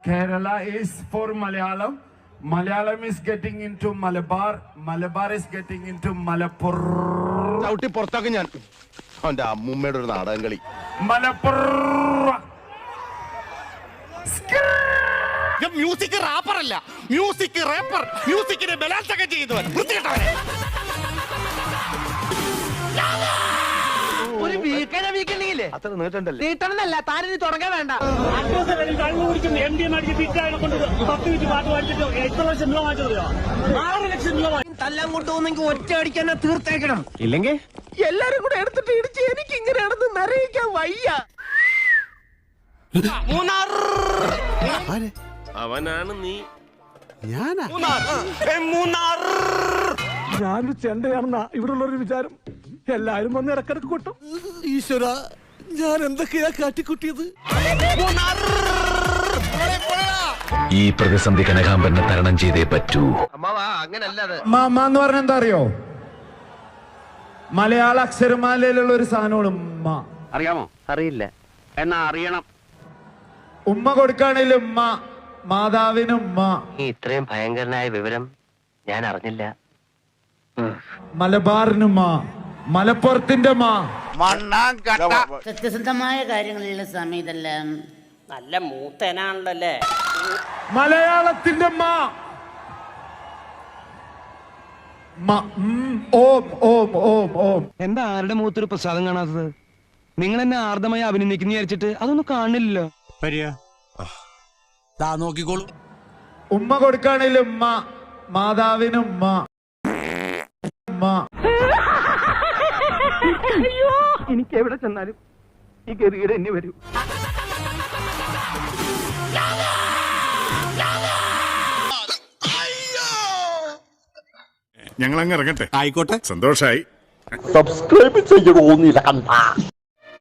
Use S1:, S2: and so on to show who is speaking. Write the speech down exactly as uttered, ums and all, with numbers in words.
S1: Kerala is for Malayalam. Malayalam is getting into Malabar. Malabar is getting into Malapur.
S2: ചവിട്ടി പുറത്താക്കി ഞാൻ അവന്റെ അമ്മൂമ്മയുടെ ഒരു നാടകം കളി.
S1: Malapur.
S2: മ്യൂസിക് റാപ്പർ അല്ല, മ്യൂസിക് റാപ്പർ. മ്യൂസിക്കിനെ ബലാത്സംഗം ചെയ്യുന്നവൻ. വൃത്തികെട്ടവൻ.
S3: ഒരു വീക്കനെ വീക്കണ്ടെങ്കിലേ
S2: അത്ര നീട്ടണ്ടല്ലേ?
S3: നീട്ടണമെന്നല്ല, താനിനി തുടങ്ങാൻ വേണ്ട. തല്ലാൻ കൊണ്ടുപോകുന്നെങ്കിൽ ഒറ്റ അടിക്കാൻ തീർത്തേക്കണം.
S2: ഇല്ലെങ്കിൽ
S3: എല്ലാരും കൂടെ എടുത്തിട്ട് ഇടിച്ച് എനിക്ക് ഇങ്ങനെയാണെന്ന് നിറയിക്കാൻ വയ്യ.
S2: മൂന്നാർ.
S4: അവനാണ് നീ.
S2: ഞാനാ മൂന്നാർ.
S5: ഞാനൊരു ചെണ്ടയാണെന്ന ഇവിടെ ഉള്ളൊരു വിചാരം. എല്ലാരും വന്ന് ഇടക്കിടക്ക് കൊട്ടും. ഈശ്വര, ഞാൻ എന്തൊക്കെയാ കാട്ടിക്കുട്ടിയത്.
S6: ഈ പ്രതിസന്ധി കനകാമ്പരനെ തരണം ചെയ്തേ പറ്റൂ.
S1: മാമ എന്ന് പറഞ്ഞ എന്താ അറിയോ? മലയാള അക്ഷരമാലയിലുള്ള ഒരു സാധനമാണ് ഉമ്മ.
S7: അറിയാമോ? അറിയില്ല, എന്നാ അറിയണം.
S1: ഉമ്മ കൊടുക്കുകയാണെങ്കിൽ ഉമ്മ, മാതാവിന് ഉമ്മ.
S7: ഈ ഇത്രയും ഭയങ്കരനായ വിവരം ഞാൻ അറിഞ്ഞില്ല.
S1: മലബാറിനുമ്മ, മലപ്പുറത്തിന്റെ മാ.
S8: സത്യസന്ധമായ കാര്യങ്ങളിലുള്ള സമയം ഇതെല്ലാം
S3: നല്ല മൂത്തനാണല്ലേ.
S1: മലയാളത്തിന്റെ മാ. മ- ഉം, ഓം ഓം ഓം ഓം.
S5: എന്താ ആരുടെ മുഖത്തൊരു പ്രസാദം കാണാത്തത്? നിങ്ങൾ എന്നെ ആർദ്രമായി അഭിനന്ദിക്കുന്ന വിചാരിച്ചിട്ട് അതൊന്നും കാണില്ലല്ലോ.
S2: നോക്കിക്കോളൂ.
S1: ഉമ്മ കൊടുക്കുകയാണെങ്കിൽ ഉമ്മ, മാതാവിന് ഉമ്മ. ഉമ്മ.
S5: എനിക്ക് എവിടെ ചെന്നാലും ഈ ഗതികേട് എന്നെ വരൂ.
S9: ഞങ്ങൾ അങ്ങ് ഇറങ്ങട്ടെ. ആയിക്കോട്ടെ, സന്തോഷായി.
S2: സബ്സ്ക്രൈബ് ചെയ്യണോന്നില്ല.